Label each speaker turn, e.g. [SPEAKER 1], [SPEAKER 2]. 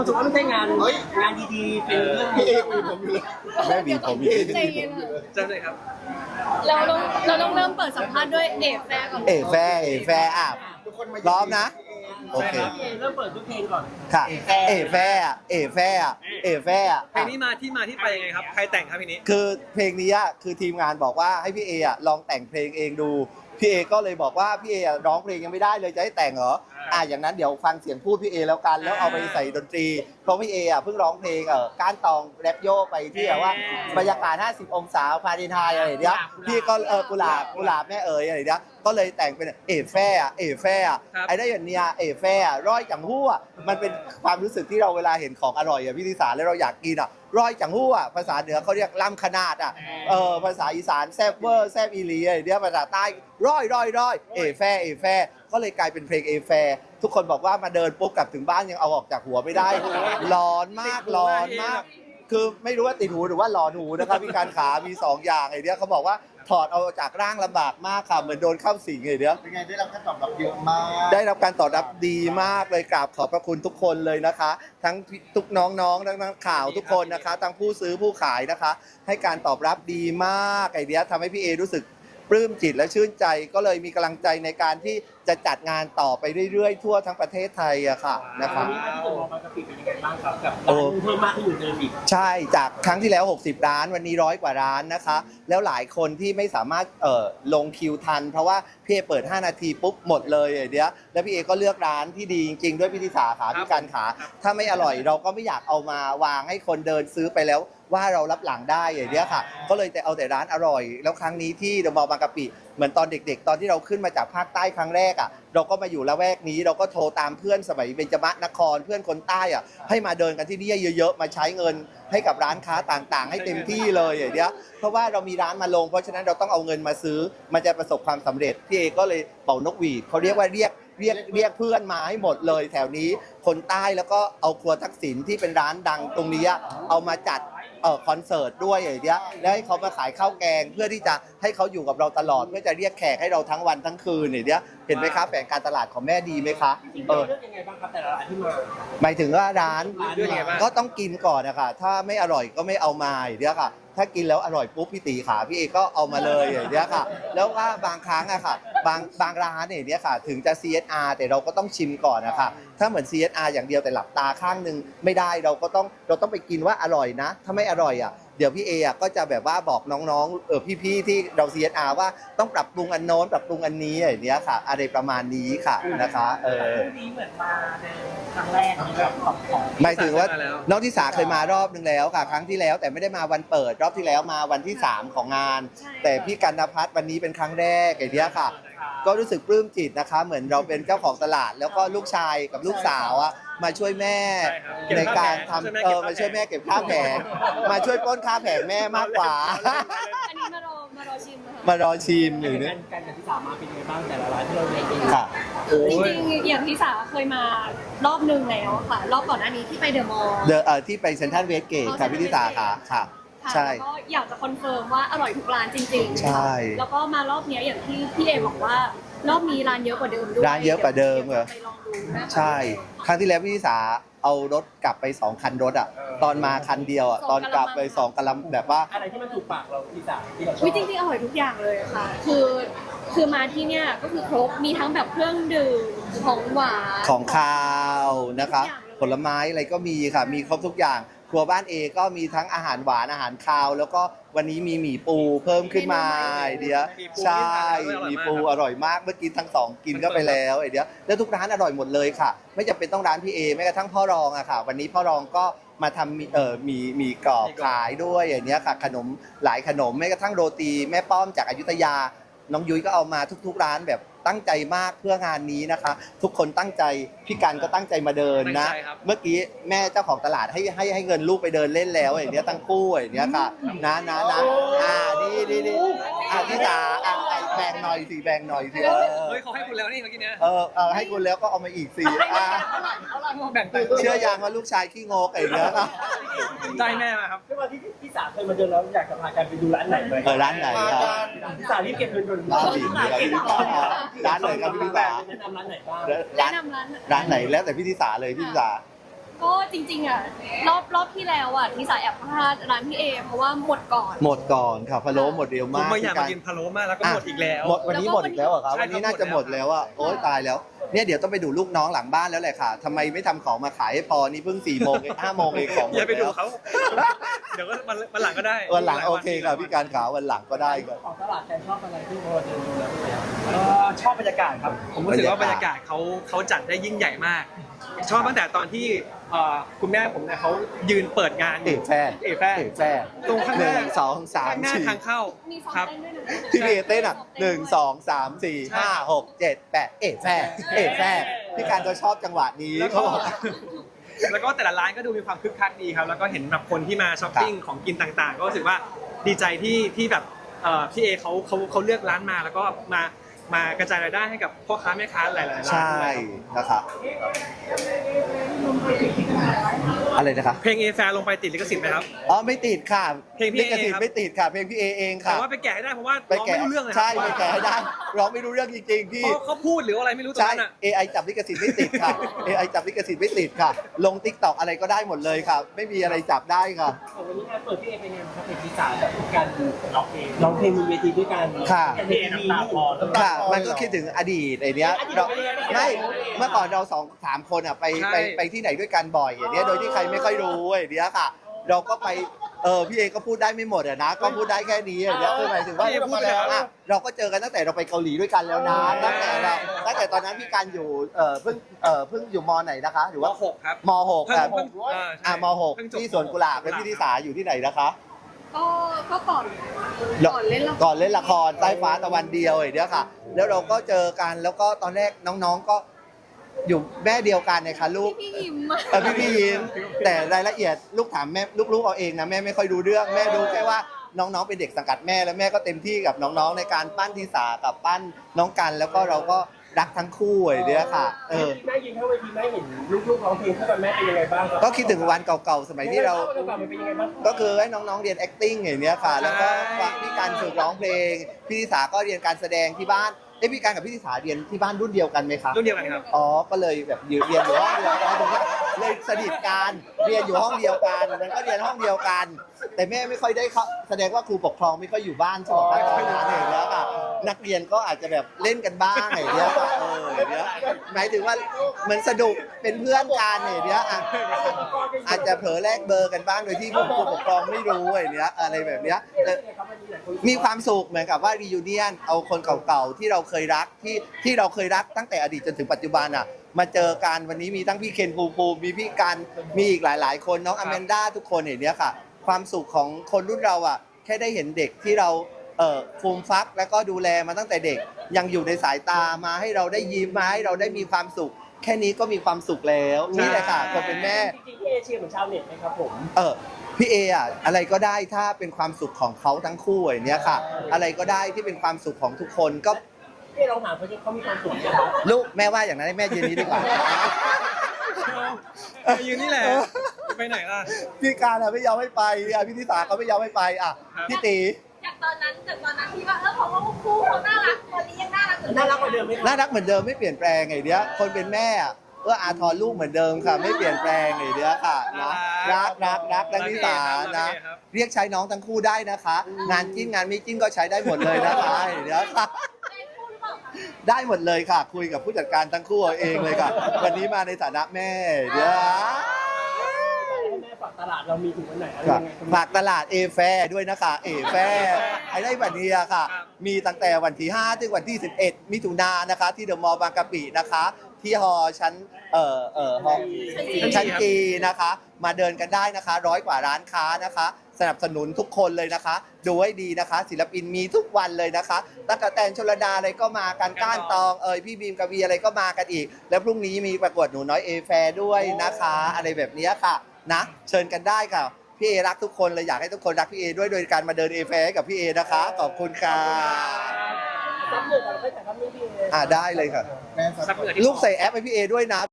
[SPEAKER 1] สุดว่าไม่ใช่งานดีๆเป็นเรื่อง
[SPEAKER 2] พี่เอคุยผมอยู่เลย
[SPEAKER 3] แม่บีผมมี
[SPEAKER 4] ใจเย็นค่ะ
[SPEAKER 1] จำเลยครับ
[SPEAKER 4] เราต้องเริ่มเปิดสัมภาษณ์ด้วยเอฟแฟร์ก่อน
[SPEAKER 3] เอแฟร์อ่ะ
[SPEAKER 2] ทุกคนมา
[SPEAKER 3] พร้อมนะ โอ
[SPEAKER 1] ใช่
[SPEAKER 3] เค
[SPEAKER 1] ครับพี่เอเริ่มเปิดด้วยเพลงก่อน
[SPEAKER 3] ค่ะ เอแฟร์อ่ะเอแฟร์อ่ะเอแฟร์อ่ะ
[SPEAKER 5] เพลงนี้มาที่ไปยังไงครับ ใครแต่งครับเพลงนี้
[SPEAKER 3] คือเพลงนี้อ่ะคือทีมงานบอกว่าให้พี่เออ่ะลองแต่งเพลงเองดู พี่เอก็เลยบอกว่าพี่เออ่ะร้องเพลงยังไม่ได้เลยจะให้แต่งเหรออย่างนั้นเดี๋ยวฟังเสียงพูดพี่เอแล้วกันแล้วเอาไปใส่ดนตรีเพราะพี่เออ่ะเพิ่งร้องเพลงก้านตองแรปโยไปที่แบบว่าบรรยากาศ50 องศาฟาเรนไฮต์อะไรอย่างเงี้ยพี่ก็กุหลาบแม่เอ๋ยอะไรอย่างเงี้ยก็เลยแต่งเป็นเอแฟร์อ่ะเอแฟร์อ่ะ
[SPEAKER 5] ครับ
[SPEAKER 3] ไอ้ได้อย่างเนี้ยเอแฟร์อ่ะร้อยจังหู้อ่ะมันเป็นความรู้สึกที่เราเวลาเห็นของอร่อยอ่ะพี่ธิสาแล้วเราอยากกินอ่ะร้อยจังหู้อ่ะภาษาเหนือเขาเรียกล่ำขนาดอ่ะภาษาอีสานแซบเวอร์แซบอีหลีอะไรเนี้ยภาษาใต้ร้อยเอแฟร์ก็เลยกลายเป็นเพลงเอแฟร์ทุกคนบอกว่ามาเดินปุ๊บกลับถึงบ้านยังเอาออกจากหัวไม่ได้ ร้อนมาก คือไม่รู้ว่าติดหูหรือว่าหลอนหูนะครับพี่การขามี2อย่างไอ้เนี้ยเขาบอกว่าถอดเอาจากร่างลำบากมากค่ะเหมือนโดนเข้าสิงไอ้เนี้ย
[SPEAKER 2] เป็นไงได้รับการตอบรับเยอะมาก
[SPEAKER 3] ได้รับการตอบรับดีมากเลยกราบขอบพระคุณทุกคนเลยนะคะ ทั้งทุกน้องๆทั้งนักข่าวทุกคนนะคะทั้งผู้ซื้อผู้ขายนะคะ ให้การตอบรับดีมากไอเดียทำให้พี่เอรู้สึกปลื้มจิตและชื่นใจก็เลยมีกำลังใจในการที่จะจัดงานต่อไปเรื่อยๆทั่วทั้งประเทศไทยอะค่ะนะคะ
[SPEAKER 1] วันนี้ที่ตัวมองบางกะปิเป็นยังไงบ้างครับกับร้านเพิ่มมากขึ้นอยู่เดิมอีก
[SPEAKER 3] ใช่จากครั้งที่แล้ว 60 ร้านวันนี้100 กว่าร้านนะคะ แล้วหลายคนที่ไม่สามารถลงคิวทัน เพราะว่าพี่เอเปิด 5 นาทีปุ๊บหมดเลยเดี๋ยวแล้วพี่เอก็เลือกร้านที่ดีจริงๆด้วยพี่ธิสาขาพี่การขาถ้าไม่อร่อยเราก็ไม่อยากเอามาวางให้คนเดินซื้อไปแล้วว่าเรารับหลังได้อย่างเนี้ยค่ะ ก็เลยแต่เอาแต่ร้านอร่อย แล้วครั้งนี้ที่เดอะมอลล์บางกะปิเหมือนตอนเด็กๆ ตอนที่เราขึ้นมาจากภาคใต้ครั้งแรกอ่ะเราก็มาอยู่ละแวกนี้เราก็โทรตามเพื่อนสมัยเบญจมนครเพื่อนคนใต้อ่ะให้มาเดินกันที่นี่เยอะๆมาใช้เงินให้กับร้านค้าต่างๆ ให้เต็มที่เลยอย่างเนี้ยเพราะว่าเรามีร้านมาลงเพราะฉะนั้นเราต้องเอาเงินมาซื้อมันจะประสบความสำเร็จพี่เอก็เลยเป่านกหวีดเขาเรียกว่าเรียกเพื่อนมาให้หมดเลยแถวนี้คนใต้แล้วก็เอาครัวทักษิณที่เป็นร้านดังตรงนี้เอามาจัดคอนเสิร์ตด้วยอย่างเงี้ยแล้วให้เขามาขายข้าวแกงเพื่อที่จะให้เขาอยู่กับเราตลอดเพื่อจะเรียกแขกให้เราทั้งวันทั้งคืนอย่างเงี้ยเห็นไหมครับแผนการตลาดของแม่ดีไหมคะ
[SPEAKER 1] จริงๆเลือกยังไงบ้างครับแต่ละร้านที่มา
[SPEAKER 3] หมายถึงว่าร้าน
[SPEAKER 5] เลือกยังไงบ้าง
[SPEAKER 3] ก็ต้องกินก่อนนะคะถ้าไม่อร่อยก็ไม่เอามาอย่างเงี้ยค่ะถ้ากินแล้วอร่อยปุ๊บพี่ตีขาพี่เอก็เอามาเลยอย่างเงี้ยค่ะแล้วว่าบางครั้งอะค่ะบางร้านเนี่ยค่ะถึงจะ CSR แต่เราก็ต้องชิมก่อนนะคะถ้าเหมือน CSR อย่างเดียวแต่หลับตาข้างนึงไม่ได้เราต้องไปกินว่าอร่อยนะถ้าไม่อร่อยอะเดี๋ยวพี่เอก็จะแบบว่าบอกน้องๆพี่ๆที่เรา CSR ว่าต้องปรับปรุงอันโน้นปรับปรุงอันนี้อย่างเงี้ยค่ะอะไรประมาณนี้ค่ะนะคะ
[SPEAKER 1] นี้เหมือนมาในครั้งแรกแบบของ
[SPEAKER 3] หมายถึงว่า
[SPEAKER 5] มาแล้ว
[SPEAKER 3] น้องทิสาเคยมารอบนึงแล้วค่ะครั้งที่แล้วแต่ไม่ได้มาวันเปิดรอบที่แล้วมาวันที่ 3 ของงาน แต่พี่กันนภัทรวันนี้เป็นครั้งแรกไอ้เนี้ยค่ะ ก็รู้สึกปลื้มจิตนะคะ เหมือนเราเป็นเจ้าของตลาด แล้วก็ลูกชายกับลูกสาวมาช่วยแม่
[SPEAKER 5] ใช่ครับเก็บ
[SPEAKER 3] ในการ
[SPEAKER 5] ค่าแผง
[SPEAKER 3] ทำมาช่วยแม่เก็บค่าแผงมาช่วยปล้นค่าแผงแม่มากกว่า
[SPEAKER 4] อันนี้มารอชิมนะคะ
[SPEAKER 3] มารอชิมอยู่
[SPEAKER 1] กา
[SPEAKER 3] เนี่ย
[SPEAKER 1] รกับที่สามมาเป็นยังไงบ้างแต่ละร้านที่เราเลือกเอง
[SPEAKER 3] ค่ะ
[SPEAKER 4] จริงๆอย่างที่สาเคยมารอบนึงแล้วค่ะ รอบก่อนหน้านี้ที่ไปเดอะมอลล์
[SPEAKER 3] ที่ไปเซ็นทรัลเวสเกตค่ะพี่ทิสาค่ะค่ะ ใช่
[SPEAKER 4] แล้วก็อยากจะคอนเฟิร์มว่าอร่อยทุกร้านจริงๆ
[SPEAKER 3] ใช่
[SPEAKER 4] แล้วก็มารอบเนี้ยอย่างที่พี่เอบอกว่ารอบนี้ร้านเยอะกว่าเดิมด้วย
[SPEAKER 3] ร้านเยอะกว่าเดิมเหรอ
[SPEAKER 4] ไปลองดูนะคะ
[SPEAKER 3] ใช่ ครั้งที่แล้วพี่ทิสาเอารถกลับไป2 คันรถตอนมาคันเดียวตอนกลับไป2 กะลัมแบบว่า
[SPEAKER 1] อะไรที่มันถูกปากเราที่สามที่เราชอบ
[SPEAKER 4] อุ๊ยจริงๆอร่อยทุกอย่างเลยค่ะ คือมาที่เนี่ยก็คือครบมีทั้งแบบเครื่องดื่มของหวาน
[SPEAKER 3] ของคาวนะคะ
[SPEAKER 4] ทุกอย่างเลย
[SPEAKER 3] ผลไม้อะไรก็มีค่ะ มีครบทุกอย่าง ครัวบ้านเอก็มีทั้งอาหารหวานอาหารคาว แล้วก็วันนี้มีหมี่ปูเพิ่มขึ้นมาไอเดียใช่หมี่ปูอร่อยมากเมื่อกี้ทั้ง2กินก็ไปแล้วไอเดียแล้วทุกร้านอร่อยหมดเลยค่ะ ไม่จำเป็นต้องร้านพี่เอแม้กระทั่งพ่อรองอะค่ะ วันนี้พ่อรองก็มาทำมีกรอบขายด้วยอย่างเนี้ยค่ะขนมหลายขนมแม้กระทั่งโรตีแม่ป้อมจากอยุธยา น้องยุ้ยก็เอามาทุกๆร้านแบบตั้งใจมากเพื่องานนี้นะคะ ทุกคนตั้งใจพี่กันก็ตั้งใจมาเดินนะ
[SPEAKER 5] ตั้งใจครับ
[SPEAKER 3] เมื่อกี้แม่เจ้าของตลาดให้เงินลูกไปเดินเล่นแล้วอย่างเนี้ยตั้งคู่อย่างเนี้ยค่ะนะนี่พี่จ๋าแบ่งหน่อยสิแบ่งหน่อยสิ
[SPEAKER 5] เฮ้ยเขาให้คุณแล้วนี่เมื่อกี้เนี้ย
[SPEAKER 3] ให้คุณแล้วก็เอามาอีกสิ
[SPEAKER 5] แบ่งตังค์
[SPEAKER 3] เชื่อยังว่าลูกชายขี้งกอย่างเนี้ยค่ะ
[SPEAKER 5] ได้แม่มาครับ
[SPEAKER 1] ด้วยความที่พี่สามเคยมาเดินแล้วอยากจะพากันไปดูร้านไหนไหม
[SPEAKER 3] ร้านไหนครับ
[SPEAKER 1] พี่สามรีบเก็บเงินก่อน
[SPEAKER 3] ร้านไหนร้านไหนครับพี่ธิสา
[SPEAKER 1] แนะนำร้านไหนบ้าง
[SPEAKER 4] แนะนำร้าน
[SPEAKER 3] ร้านไหนแล้วแต่พี่ธิสาเลยพี่ธิสา
[SPEAKER 4] ก็จริงๆอ่ะรอบที่แล้วอ่ะที่สายแอบพลาดร้านพี่เอเพราะว่าหมดก่อน
[SPEAKER 3] หมดก่อนค่ะพะโล้หมดเร็ว
[SPEAKER 5] ผม
[SPEAKER 3] มาก
[SPEAKER 5] ไม่อยาก
[SPEAKER 3] พี่
[SPEAKER 5] มากินพะโล้มากแล้วก็หมดอีกแล้ว
[SPEAKER 3] หมดวันนี้หมดอีกแล้วเหรอครับ
[SPEAKER 5] ใช่
[SPEAKER 3] วันนี้
[SPEAKER 5] ครับ
[SPEAKER 3] น่าจะหมด
[SPEAKER 5] หมดแล้
[SPEAKER 3] แล้ว
[SPEAKER 5] ว
[SPEAKER 3] อ่ะโอ๊ยตายแล้วเนี่ยเดี๋ยวต้องไปดูลูกน้องหลังบ้านแล้วแหละค่ะทำไมไม่ทำของมาขายให้พอนี่เพิ่ง4 โมงเอง5 โมงเองของหม
[SPEAKER 5] อย่า
[SPEAKER 3] ด
[SPEAKER 5] ไปดู
[SPEAKER 3] แล้ว
[SPEAKER 5] เขา เดี๋ยวก็วันหลังก็ได้
[SPEAKER 3] วันหลังโอเคค่ะพี่การขาววันหลังก็ได้ครับ
[SPEAKER 1] ของตลาดแกชอบอะไรที่โมเดินดูแล้วชอบบรรยากาศครับ
[SPEAKER 5] ผมรู้สึกว่าบรรยากาศเขาจัดได้ยิ่งใหญ่มาก ชอบตั้งแต่ตอนที่คุณแม่ผมเนี่ยเขายืนเปิดงาน
[SPEAKER 3] เอกแฟร์
[SPEAKER 5] เอกแฟร์
[SPEAKER 3] เอกแฟร์
[SPEAKER 5] ตรงข้างหน้า
[SPEAKER 3] 1 2 3
[SPEAKER 5] ข้างหน้าทางเข้า
[SPEAKER 4] มีซ้อม
[SPEAKER 5] ครับ
[SPEAKER 4] เต้นด้วยนะ
[SPEAKER 3] 4ที่พี่เอเต้นอ่ะ1 2 3 4 5 6 7 8เอกแฟร์เอกแฟร์พี่การจะชอบจังหวะนี้
[SPEAKER 5] แล้ว
[SPEAKER 3] เขา
[SPEAKER 5] ก็
[SPEAKER 3] บอก
[SPEAKER 5] แล้วก็แต่ละร้านก็ดูมีความคึกคักดีครับ แล้วก็เห็นแบบคนที่มาช้อปปิ้งของกินต่างๆ ก็รู้สึกว่าดีใจที่แบบพี่เอเขาเลือกร้านมาแล้วก็มากระจายรายได้ให้กับพ่อค้าแม่ค้าหลายๆร้าน
[SPEAKER 3] ใช่
[SPEAKER 5] ด้วย
[SPEAKER 3] นะครับอะไรนะครับ
[SPEAKER 5] เพลงเอแฟร์ลงไปติดลิขสิทธิ์ไหมครับ
[SPEAKER 3] อ๋อไม่ติดค่ะ
[SPEAKER 5] เพลงพี่
[SPEAKER 3] ลิขสิท
[SPEAKER 5] เอครับ
[SPEAKER 3] ธิ์ไม่ติดค่ะเพลงพี่เอเอง
[SPEAKER 5] แต่
[SPEAKER 3] ค่ะ
[SPEAKER 5] ว่าไปแกะให้ได้เพราะว่า
[SPEAKER 3] ไป
[SPEAKER 5] ร้อง
[SPEAKER 3] แกะ
[SPEAKER 5] ไม่รู้เรื่องเลย
[SPEAKER 3] ใช่ไปแกะให้ได้ร้องไม่รู้เรื่องจริงๆพี่
[SPEAKER 5] เพราะเขาพูดหรืออะไรไม่รู้ตรง
[SPEAKER 3] ใช่
[SPEAKER 5] นั้นอ่ะ
[SPEAKER 3] AI จับลิขสิทธิ์ไม่ติดค่ะ AI จับลิขสิทธิ์ไม่ติดค่ะ ลง TikTok อะไรก็ได้หมดเลยค่ะ ไม่มีอะไรจับได้ค่ะ
[SPEAKER 1] วันนี้งานเปิดพี่เอเป็นไงครับเป็นที่สามแบบการร้องเพลงบนเวทีด้วยกัน
[SPEAKER 3] ค่ะ
[SPEAKER 1] เพลงน้ำตาคลอ
[SPEAKER 3] ค่ะ มันก็คิดถึงอดีตไอ้เนี้ยเราไม่เมื่อก่อนเรา2-3 คนอ่ะไปที่ไหนด้วยกันบ่อยอย่างเนี้ยโดยที่ใครไม่ค่อยรู้ไอ้เนี้ยค่ะ เราก็ไปพี่เอก็พูดได้ไม่หมดอะนะก็พูดได้แค่นี้อย่างเนี้ยคือหมายถึงว่า
[SPEAKER 5] พี่เอพูดไปแล้ว
[SPEAKER 3] เราก็เจอกันตั้งแต่เราไปเกาหลีด้วยกันแล้วนะตั้งแต่ตอนนั้นพี่การอยู่เพิ่งอยู่มไหนนะคะหรือ
[SPEAKER 5] ม
[SPEAKER 3] ว่า
[SPEAKER 5] 6ครับ
[SPEAKER 3] มหก
[SPEAKER 5] เพิ่ง
[SPEAKER 3] อ่ะ
[SPEAKER 5] เพิ่งใช่
[SPEAKER 3] มหก
[SPEAKER 5] เพิ่งจบ
[SPEAKER 3] ที่สวนกุหลาบและพี่ธิสาอยู่ที่ไหนนะคะ
[SPEAKER 4] ก็ก่อนเล่นละคร
[SPEAKER 3] ก่อนเล่นละครใต้ฟ้าตะวันเดียวไอ้เนี้ยค่ะ แล้วเราก็เจอกันแล้วก็ตอนแรกน้องๆก็อยู่แม่เดียวกันนะคะลูก
[SPEAKER 4] พี่ยิ้มอะ
[SPEAKER 3] พี่ยิ้มแต่รายละเอียดลูกถามแม่ลูกๆเอาเองนะแม่ไม่ค่อยรู้เรื่องแม่รู้แค่ว่าน้องๆเป็นเด็กสังกัดแม่แล้วแม่ก็เต็มที่กับน้องๆในการปั้นทิสากับปั้นน้องกันแล้วก็เราก็รักทั้งคู่ไอ้เนี้ยค่ะ
[SPEAKER 1] แม่ยินเข้าเวทีแม่เห็นลูกๆร้องเพลงคู่กันแม่เป็นยังไงบ้าง
[SPEAKER 3] ก็คิดถึงวันเก่าๆสมัยที่เรา
[SPEAKER 1] มันเป็นยังไงบ้าง
[SPEAKER 3] ก็คือให้น้องๆเรียน acting อย่างเนี้ยค่ะ แล้วก็ฟังพี่การฝึกร้องเพลงพี่ธิสาก็เรียนการแสดงที่บ้านพี่การกับพี่ธิสาเรียนที่บ้านรุ่นเดียวกันไหมคะ
[SPEAKER 5] รุ่นเดียวกันครับ
[SPEAKER 3] อ๋อ ก็เลยแบบเรียนอยู่ห้องเดียวกันผมว่าเลยสนิทกันเรียนอยู่ห้องเดียวกันมันก็เรียนห้องเดียวกัน แต่แม่ไม่ค่อยได้เข้าแสดงว่าครูปกครองไม่ค่อยอยู่บ้านใช่ไหมตอนนั้นอย่างเงี้ยค่ะนักเรียนก็อาจจะแบบเล่นกันบ้างอย่างเงี้ยค่ะอย่างเงี้ยหมายถึงว่าเหมือนสนุกเป็นเพื่อนกันอย่างเงี้ยอ่ะอาจจะเผลอแลกเบอร์กันบ้างโดยที่ผู้ปกครองไม่รู้อย่างเงี้ยอะไรแบบเนี้ยมีความสุขเหมือนกับว่ารียูเนียนเอาคนเก่าๆที่เราเคยรักที่เราเคยรักตั้งแต่อดีตจนถึงปัจจุบันอ่ะมาเจอกันวันนี้มีทั้งพี่เคนภูมิมีพี่กันมีอีกหลายๆคนน้องอแมนด้าทุกคนอย่างเนี้ยค่ะความสุขของคนรุ่นเราอ่ะแค่ได้เห็นเด็กที่เราฟูมฟักแล้วก็ดูแลมาตั้งแต่เด็กยังอยู่ในสายตามาให้เราได้ยิ้มมาให้เราได้มีความสุข แค่นี้ก็มีความสุขแล้วนี่แหละค่ะคนเป็นแม่
[SPEAKER 1] จริงๆพี่เอเชียเหมือนชาวเน็ตไหมครับผม
[SPEAKER 3] พี่เออ่ะอะไรก็ได้ถ้าเป็นความสุขของเขาทั้งคู่อย่างเนี้ยค่ะ อะไรก็ได้ที่เป็นความสุขของทุกคนก็
[SPEAKER 1] พี่ลองถามเขาที่เขามีความสุขนะครับ
[SPEAKER 3] ลูกแม่ว่าอย่างนั้นให้แม่ยืนนี้ดีกว่า
[SPEAKER 5] ไปยืนนี่แหละจะไปไหนล่ะ
[SPEAKER 3] พี่การอ่ะไม่ยอมให้ไปพี่ธิสาก็ไม่ยอมให้ไปอ่ะพี่ตี
[SPEAKER 4] จากตอนนั้นที่ว่าเพราะว่าคู่เขาน่ารักตอนนี้ยังน่ารักเหมือน
[SPEAKER 1] น่ารักกว่าเดิมไหมครับ
[SPEAKER 3] น่ารักเหมือนเดิมไม่เปลี่ยนแปลงไงเนี้ยคนเป็นแม่อ่ะอาทรลูกเหมือนเดิมค่ะ ไม่เปลี่ยนแปลงไงเนี้ยค่ะนะรักและนิสานะเรียกใช้น้องทั้งคู่ได้นะคะ งานจิ้นงานไม่จิ้นก็ใช้ได้หมดเลยนะคะเนี้ยค่ะ ได้หมดเลยค่ะ คุยกับผู้จัดการทั้งคู่เอาเองเลยค่ะ วันนี้มาในฐานะแม่เดี๋ยว
[SPEAKER 1] แม่ฝากตลาดเรามีถึงวันไหนอะไร
[SPEAKER 3] ค่ะ
[SPEAKER 1] ยังไง
[SPEAKER 3] ฝากตลาดเอแฟด้วยนะคะเอแฟไอ้ได้บัตรนี้อะค่ะ มีตั้งแต่วันที่5ถึงวันที่11มิถุนายนนะคะ ที่เดอะมอลล์บางกะปินะคะ ที่ฮอชั้นฮอชั้นจีนะคะ มาเดินกันได้นะคะ100 กว่าร้านค้านะคะ สนับสนุนทุกคนเลยนะคะ ดูให้ดีนะคะ ศิลปินมีทุกวันเลยนะคะตั้งแต่แตนชลดาอะไรก็มากันก้านตองพี่บีมกวีอะไรก็มากันอีก แล้วพรุ่งนี้มีประกวดหนูน้อยเอแฟด้วยนะคะ อะไรแบบนี้ค่ะนะเชิญกันได้ค่ะพี่เอรักทุกคนเลยอยากให้ทุกคนรักพี่เอด้วยโดยการมาเดินเอแฟกับพี่เอนะคะขอบคุณค่ะ
[SPEAKER 1] ซับเหนือกันไปแต่ครับนี่พี่เอ
[SPEAKER 3] ได้เลยค่ะ
[SPEAKER 2] แม่สัก
[SPEAKER 5] ซับเหงื่อที่
[SPEAKER 3] ลูกใส่แอปให้พี่เอด้วยนะ